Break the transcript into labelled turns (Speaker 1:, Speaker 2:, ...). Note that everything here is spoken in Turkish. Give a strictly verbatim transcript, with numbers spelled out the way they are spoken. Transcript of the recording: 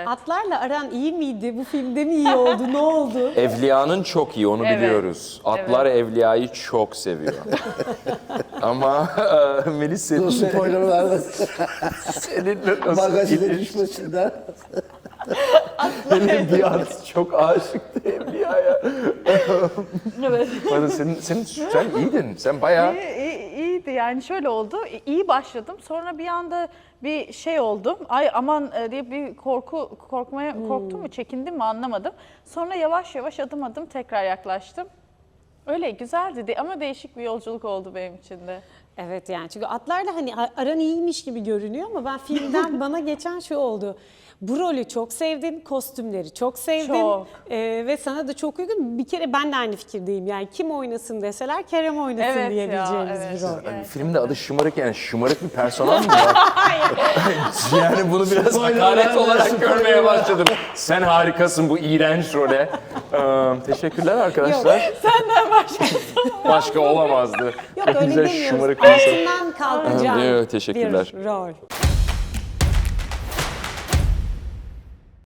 Speaker 1: Atlarla aran iyi miydi? Bu filmde mi iyi oldu? Ne oldu?
Speaker 2: Evliyanın çok iyi, onu
Speaker 3: Evet.
Speaker 2: biliyoruz. Atlar Evliya'yı çok seviyor. Ama e, Melis seninle,
Speaker 4: Spoiler vermesin.
Speaker 2: seninle nasıl
Speaker 4: Magazine
Speaker 2: ilişki-
Speaker 4: düşmesinler.
Speaker 2: Benim bir at çok aşıktı Evliya'ya.
Speaker 3: Evet.
Speaker 2: Bana senin, senin, sen iyiydin, sen bayağı...
Speaker 3: İyi, iyi- iyiydi yani şöyle oldu. İyi başladım. Sonra bir anda bir şey oldum. Ay aman e, diye bir korku korkmaya korktum mu, çekindim mi anlamadım. Sonra yavaş yavaş adım adım tekrar yaklaştım. Öyle güzeldi de- ama değişik bir yolculuk oldu benim için de.
Speaker 1: Evet yani çünkü atlarla hani aran iyiymiş gibi görünüyor ama ben filmden bana geçen şu oldu. Bu rolü çok sevdin, kostümleri çok sevdin
Speaker 3: Çok.
Speaker 1: Ee, ve sana da çok uygun. Bir kere ben de aynı fikirdeyim yani kim oynasın deseler Kerem oynasın
Speaker 3: Evet ya,
Speaker 1: diyebileceğimiz
Speaker 3: evet.
Speaker 1: bir rol.
Speaker 3: Evet.
Speaker 2: Filmde adı şımarık, yani şımarık bir personel mi var? Yani bunu biraz
Speaker 4: Spoiler
Speaker 2: hakaret
Speaker 4: verme,
Speaker 2: olarak
Speaker 4: spoiler
Speaker 2: görmeye
Speaker 4: verme.
Speaker 2: başladım. Sen harikasın bu iğrenç role. Ee, teşekkürler arkadaşlar.
Speaker 3: Senden başka.
Speaker 1: Şey,
Speaker 2: Başka olamazdı.
Speaker 1: Yok öyle
Speaker 2: Güzel
Speaker 1: demiyoruz.
Speaker 2: şımarık bir insan.
Speaker 1: Altından kalkacağım
Speaker 2: Evet, teşekkürler.
Speaker 1: bir rol.